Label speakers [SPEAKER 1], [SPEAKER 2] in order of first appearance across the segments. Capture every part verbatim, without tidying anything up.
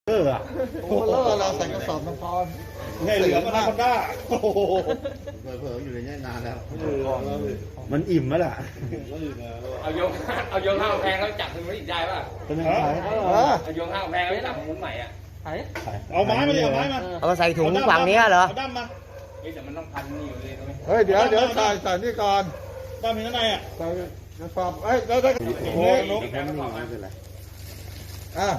[SPEAKER 1] เอออ่ะ
[SPEAKER 2] โอ้โหแล้วเราใส่กระสอบน้ำพร
[SPEAKER 1] ไงเหลือมันคนด้าโอ้โห
[SPEAKER 2] เผลอๆอยู่ในนี้นานแล้ว
[SPEAKER 1] มันอิ่มแล้วล่ะ
[SPEAKER 3] เอาโยงเอาโยงข้าวแพงแล้วจับถึงไม่อีกได้ป่ะ
[SPEAKER 1] เป็นยังไง
[SPEAKER 3] เอาโยงข้าวแพงแล้วจะทำมุ้งใหม่อ่ะ
[SPEAKER 1] เอาไม้มาดิเอาไม้มา
[SPEAKER 4] เอามาใส่ถุงฝั่งนี้เหรอ
[SPEAKER 1] เอาด้ามมา
[SPEAKER 3] เฮ้ยแต่มันต้องพันนี่อยู่เลยตรงนี้
[SPEAKER 2] เฮ้ยเดี๋ยวเดี๋ยวใส่ใส่นี่ก่อน
[SPEAKER 1] ด้ามมีข้างในอ่ะ
[SPEAKER 2] ใส่กระสอบเอ้ยแล้วได้โอ้โห
[SPEAKER 1] นก
[SPEAKER 2] อ่ะ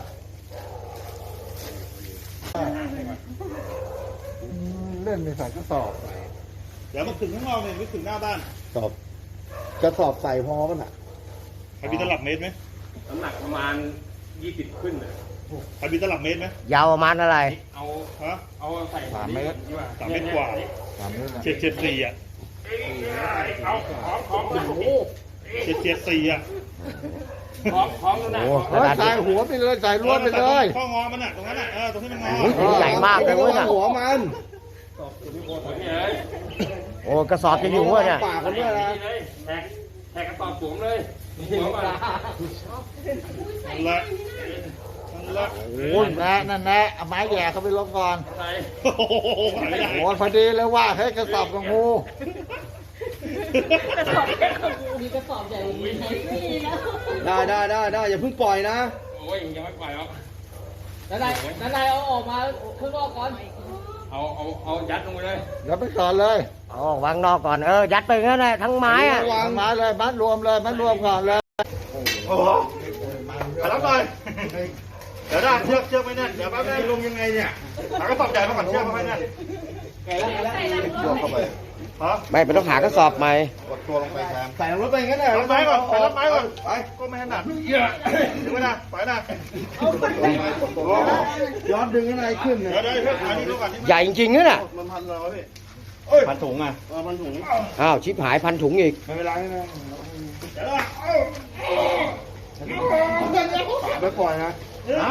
[SPEAKER 2] เล่นไม่ใส่กระสอบ
[SPEAKER 1] เดี๋ยวมันถึงข้างนอกเนี่ยไม่ถึงหน้าบ้าน
[SPEAKER 2] สอบกระสอบใส่พอป่ะน่ะ
[SPEAKER 1] ใครมีตลับเมตรไหม
[SPEAKER 3] น้ำหนักประมาณยี่สิบขึ้นเลย
[SPEAKER 1] ใครมีตลับเมตรไหม
[SPEAKER 4] ยาวประมาณอะไร
[SPEAKER 3] เอา
[SPEAKER 1] ฮะ
[SPEAKER 3] เอาใส่
[SPEAKER 1] สามเมตรกว่า
[SPEAKER 2] สามเมตรนะ
[SPEAKER 1] เจ็ดเจ็ดสี่อ่ะ
[SPEAKER 3] เอาของของโอ้โห
[SPEAKER 1] เจ็ดเจ็ดสี่อ่ะ
[SPEAKER 3] ของของนั่นน่ะ
[SPEAKER 2] เฮ้ยใส่หัวไปเลยใส่ล้วนไปเลย
[SPEAKER 1] ข้องอมันอ่ะตรงนั้นอ่ะเออตรงที่มันงอ
[SPEAKER 4] โอ้ยถุงใหญ่มากเลยเว้ยน่ะ
[SPEAKER 2] หัวมัน
[SPEAKER 3] นี่เลย
[SPEAKER 4] โอ้กระสอบจะอยู่วะเนี่ย
[SPEAKER 2] ปากกันด้วยนะ
[SPEAKER 3] นี่เลยแทกแทกกระสอบสวมเลยหัวมา
[SPEAKER 1] นั่นแหละนั่นแหละ
[SPEAKER 2] โอ้ยแน่นั่นแน่เอาไม้แย่เข้าไปลงก่อน
[SPEAKER 3] ใส่
[SPEAKER 1] โอ้โหหายไม่ได้
[SPEAKER 2] โอ้ยพอดีเลยว่าให้กระสอบกับงู
[SPEAKER 5] กระสอบแค่ของกูมีกระสอบใหญ่กว่านี้ไหมไม่มีแล้ว
[SPEAKER 6] ได้ได้ได้ได้อย่าเพิ่งปล่อยนะ
[SPEAKER 3] โอ้ยยังไม่ปล่อยหรอก
[SPEAKER 5] นั่นนายนั่นนายเอาออกมาข้างนอกก่อน
[SPEAKER 3] เอาเอาเอายัดลงไปเลย
[SPEAKER 2] เดี๋ยวไปก่อนเลย
[SPEAKER 4] เอาวางนอกก่อนเออยัดไปงั้นแหละทั้งไม้อะ
[SPEAKER 2] วางไม้เลยมัดรวมเลยมัดรวมก่อนเลย
[SPEAKER 1] โอ้โหไปรับหน่อยเดี๋ยวได้เชือกเชือกไม่แน่นเดี๋ยวแป๊บนึงลงยังไงเนี่ยหากระสอบใหญ่มาก่อนเชือกไม่แน่น
[SPEAKER 2] ยกเข้าไป
[SPEAKER 1] ฮะ
[SPEAKER 4] ไม่เป็นต้องหากระสอบใหม่
[SPEAKER 2] กดตัวลงไปแทน
[SPEAKER 6] ใส่รถไปงั้นแหละ
[SPEAKER 1] รับไม้ก่อนไปรับไม้ก่อนไปก็ไม่ถนัดเยอะถึงไหมนะไปนะ
[SPEAKER 6] ย้อนดึงข้างในขึ้น
[SPEAKER 1] เดี๋
[SPEAKER 6] เนี่ย
[SPEAKER 1] ยวเดี๋ยวเดี๋ยวอันนี้ดูก่อน
[SPEAKER 4] ใหญ่จริงๆนะน่ะ
[SPEAKER 1] มันพันเราพี่เอ้ย
[SPEAKER 6] พันถุงอ่ะเออพันถุง
[SPEAKER 4] อ้าวชิบหายพันถุงอีก
[SPEAKER 6] ไม่เป็นไรนะ
[SPEAKER 1] เดี๋ยวนะ
[SPEAKER 6] ไม่ปล่อยนะ
[SPEAKER 1] นะ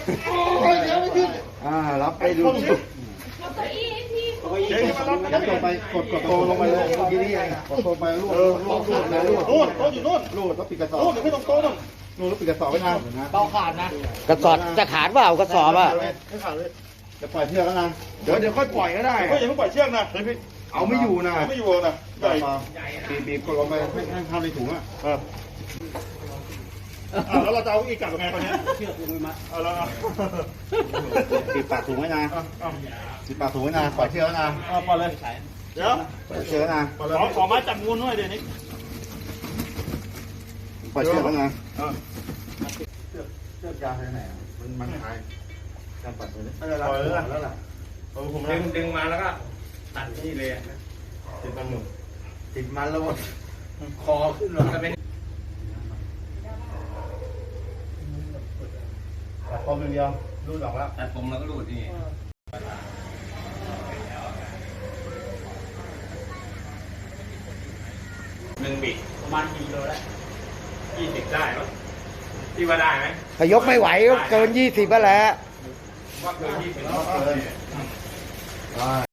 [SPEAKER 6] อ่ารับไปดู
[SPEAKER 5] เอาเก้าอี้ให้พี่
[SPEAKER 1] เดี๋ยวมารับ
[SPEAKER 6] ยัดลงไปกดกดโตลงไปเลยเมื่อกี้นี่เองกดโตไปลูดลูดลูดนะลูด
[SPEAKER 1] นู่นโต๊ะอยู่นู่น
[SPEAKER 6] ลูดแล้วปิดกระสอบ
[SPEAKER 1] นู่นเดี๋ยวไม่ต้องโต๊ะนู่น
[SPEAKER 6] ลูดแล้วปิดกระสอบไว้ทาง
[SPEAKER 5] เบาขาดนะ
[SPEAKER 4] กระสอบจะขาดเปล่ากระสอบอะ
[SPEAKER 1] ไม่ขาดเลย
[SPEAKER 6] จะปล่อยเชือกแล้วนะเดี๋ยวเดี๋ยวค่อยปล่อยก็ได้
[SPEAKER 1] ก็อย่าเพิ่งปล่อยเชือกนะ
[SPEAKER 6] เอาไม่อยู่นะ
[SPEAKER 1] ไม่อยู่นะใหญ่
[SPEAKER 6] บีบบีบกดลงไปให้ให้เข้าในถุงอ่ะ
[SPEAKER 1] เอออ่ะแล้วเราจะเอาอีกกลับยังไงคนนี้เชือกมือมัดเอาแล้ว
[SPEAKER 6] ปิดปากถุงไว้นะ
[SPEAKER 1] เอาเอา
[SPEAKER 6] ปิดปากถุงไว้นะปล่อยเชือกแล้วนะ
[SPEAKER 1] เอาปล่อยเลยเดี๋ยว
[SPEAKER 6] ปล่อยเชือกแล้วนะ
[SPEAKER 1] ขอขอไม้จับงูหน่อยเดี๋ยวนี้
[SPEAKER 6] ปล่อยเชือกแล้วนะ
[SPEAKER 1] เออ
[SPEAKER 6] เชือกยาวไปไหนอ่ะมันมันหายการปัดเลย
[SPEAKER 1] ไม่เป็นไรปล่อยเลยนะ
[SPEAKER 6] แล้วล่ะ
[SPEAKER 1] เออผม
[SPEAKER 3] ดึงดึงมาแล้วก็ตัดนี่เลย
[SPEAKER 1] ติดมันหนึ่ง
[SPEAKER 6] ติดมันแล้ว
[SPEAKER 3] คอขึ้นหรอจะเป็น
[SPEAKER 1] ตัดคอมเดียวรูดออกแล้ว
[SPEAKER 3] ตัดผมแล้วก็รูดนี่หนึ่งบิดประมาณกี่โลได้ยี่สิบได้ไหมที่ว่าได้ไหม
[SPEAKER 4] ถ้ายกไม่ไหวก็เกินยี่สิบก็แล้ว
[SPEAKER 3] ว่าเกินยี่สิบ
[SPEAKER 6] ได้